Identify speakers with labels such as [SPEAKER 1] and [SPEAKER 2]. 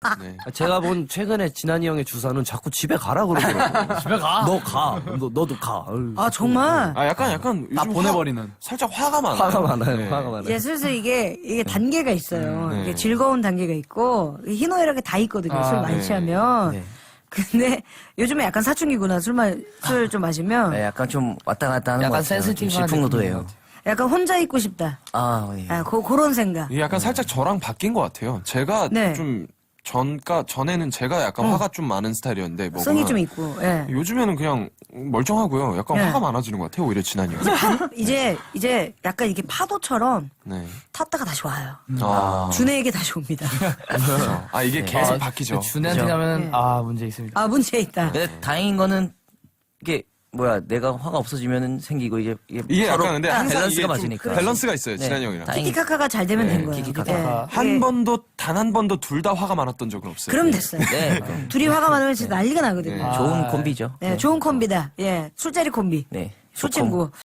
[SPEAKER 1] 네.
[SPEAKER 2] 제가 본 최근에 진한이 형의 주사는 자꾸 집에 가라 그러더라고요.
[SPEAKER 3] 집에 가.
[SPEAKER 2] 너 가. 너도 가. 어휴,
[SPEAKER 4] 아 정말.
[SPEAKER 1] 아 약간
[SPEAKER 3] 다
[SPEAKER 1] 요즘
[SPEAKER 3] 보내버리는.
[SPEAKER 1] 살짝 화가 많아요.
[SPEAKER 2] 화가 많아요.
[SPEAKER 1] 네.
[SPEAKER 2] 화가 많아요.
[SPEAKER 4] 이제 슬슬 이게 단계가 있어요.
[SPEAKER 1] 네.
[SPEAKER 4] 이게 즐거운 단계가 있고 희노애락이 다 있거든요.
[SPEAKER 3] 아,
[SPEAKER 4] 술 많이
[SPEAKER 1] 네.
[SPEAKER 4] 취하면.
[SPEAKER 2] 네.
[SPEAKER 4] 근데 요즘에 약간 사춘기구나. 술 좀 마시면
[SPEAKER 5] 네, 약간 좀 왔다 갔다 하는 것
[SPEAKER 3] 약간
[SPEAKER 5] 같아요. 좀
[SPEAKER 3] 센시티브한
[SPEAKER 5] 질풍노도예요.
[SPEAKER 4] 약간 혼자 있고 싶다.
[SPEAKER 5] 아, 예.
[SPEAKER 4] 그런 생각.
[SPEAKER 1] 이게 약간 살짝 저랑 바뀐 것 같아요. 제가
[SPEAKER 4] 네.
[SPEAKER 1] 좀 전에는 제가 약간 화가 좀 많은 스타일이었는데 뭐가
[SPEAKER 4] 성이 좀 있고. 예.
[SPEAKER 1] 요즘에는 그냥 멀쩡하고요. 약간
[SPEAKER 4] 네.
[SPEAKER 1] 화가 많아지는 것 같아요. 오히려 진한이 형.
[SPEAKER 4] 이제 약간 이게 파도처럼
[SPEAKER 1] 네.
[SPEAKER 4] 탔다가 다시 와요.
[SPEAKER 1] 아,
[SPEAKER 4] 준혜에게 다시 옵니다.
[SPEAKER 1] 그렇죠. 아 이게 계속 바뀌죠.
[SPEAKER 3] 준혜한테
[SPEAKER 5] 그죠.
[SPEAKER 3] 가면
[SPEAKER 4] 네.
[SPEAKER 3] 문제 있습니다.
[SPEAKER 4] 아 문제 있다.
[SPEAKER 5] 근데 다행인 거는 이게 내가 화가 없어지면은 생기고
[SPEAKER 1] 이게
[SPEAKER 5] 서로
[SPEAKER 1] 약간 근데 항상
[SPEAKER 5] 밸런스가
[SPEAKER 1] 이게 좀
[SPEAKER 5] 맞으니까.
[SPEAKER 1] 밸런스가 있어요.
[SPEAKER 5] 네.
[SPEAKER 1] 진한이 형이랑.
[SPEAKER 5] 다행히-
[SPEAKER 4] 키키카카가 잘 되면
[SPEAKER 1] 네,
[SPEAKER 4] 된 거예요.
[SPEAKER 5] 키키카카.
[SPEAKER 1] 한 번도 둘 다 화가 많았던 적은 없어요.
[SPEAKER 4] 그럼 됐어요.
[SPEAKER 5] 네,
[SPEAKER 4] 둘이 화가 많으면 진짜 난리가 나거든요.
[SPEAKER 1] 네.
[SPEAKER 5] 좋은 콤비죠.
[SPEAKER 4] 네, 좋은 콤비다. 예, 술자리 콤비.
[SPEAKER 5] 네.
[SPEAKER 4] 술친구.